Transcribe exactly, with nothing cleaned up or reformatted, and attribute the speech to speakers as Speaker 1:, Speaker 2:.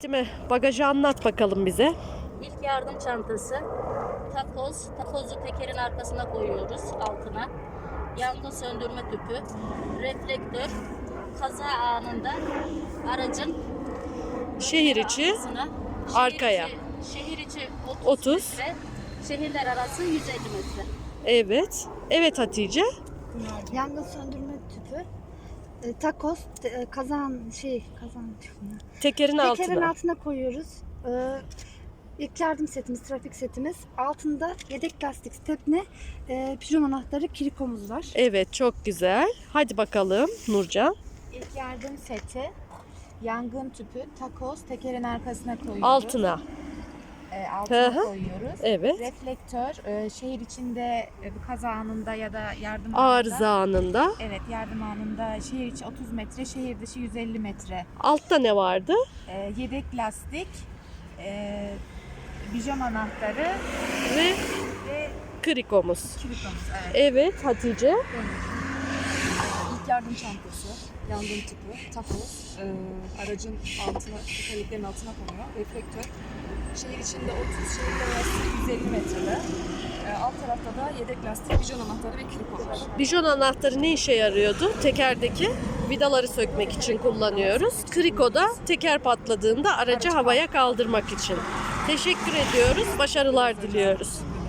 Speaker 1: Değil mi? Bagajı anlat bakalım bize.
Speaker 2: İlk yardım çantası, takoz, takozu tekerin arkasına koyuyoruz altına. Yangın söndürme tüpü, reflektör, kaza anında aracın
Speaker 1: Şehir içi
Speaker 2: arkasına, şehir
Speaker 1: arkaya.
Speaker 2: içi- şehir içi otuz,
Speaker 1: otuz.
Speaker 2: metre, şehirler arası yüz elli metre.
Speaker 1: Evet. Evet Hatice.
Speaker 3: Yangın söndürme tüpü, e, takoz, te- e, kazan şey kazan
Speaker 1: Tekerin
Speaker 3: tekerin
Speaker 1: altına.
Speaker 3: altına koyuyoruz. E, ilk yardım setimiz, trafik setimiz. Altında yedek lastik stepne, e, pijon anahtarı, kirikomuz var.
Speaker 1: Evet, çok güzel. Hadi bakalım Nurcan.
Speaker 4: İlk yardım seti, yangın tüpü, takoz, tekerin arkasına koyuyoruz.
Speaker 1: Altına.
Speaker 4: E,
Speaker 1: Hı
Speaker 4: altına
Speaker 1: hı.
Speaker 4: koyuyoruz.
Speaker 1: Evet.
Speaker 4: Reflektör, e, şehir içinde e, bir kaza anında ya da yardım
Speaker 1: Arıza
Speaker 4: anında.
Speaker 1: anında.
Speaker 4: Evet, yardım anında şehir içi otuz metre, şehir dışı yüz elli metre.
Speaker 1: Altta ne vardı?
Speaker 4: E, yedek lastik, e, bijon anahtarı
Speaker 1: Ve
Speaker 4: ve
Speaker 1: krikomuz.
Speaker 4: kilitomuz. Evet.
Speaker 1: Evet Hatice.
Speaker 5: İlk yardım çantası, yangın tüpü, takoz, e, aracın altına, tekerleklerin altına konuyor, reflektör. Şehir içinde otuz, şehirler arası yüz elli metrede. E, alt tarafta da yedek lastik, bijon anahtarı ve kiriko var.
Speaker 1: Bijon anahtarı ne işe yarıyordu? Tekerdeki vidaları sökmek için kullanıyoruz. Kriko da teker patladığında aracı havaya kaldırmak için. Teşekkür ediyoruz. Başarılar diliyoruz.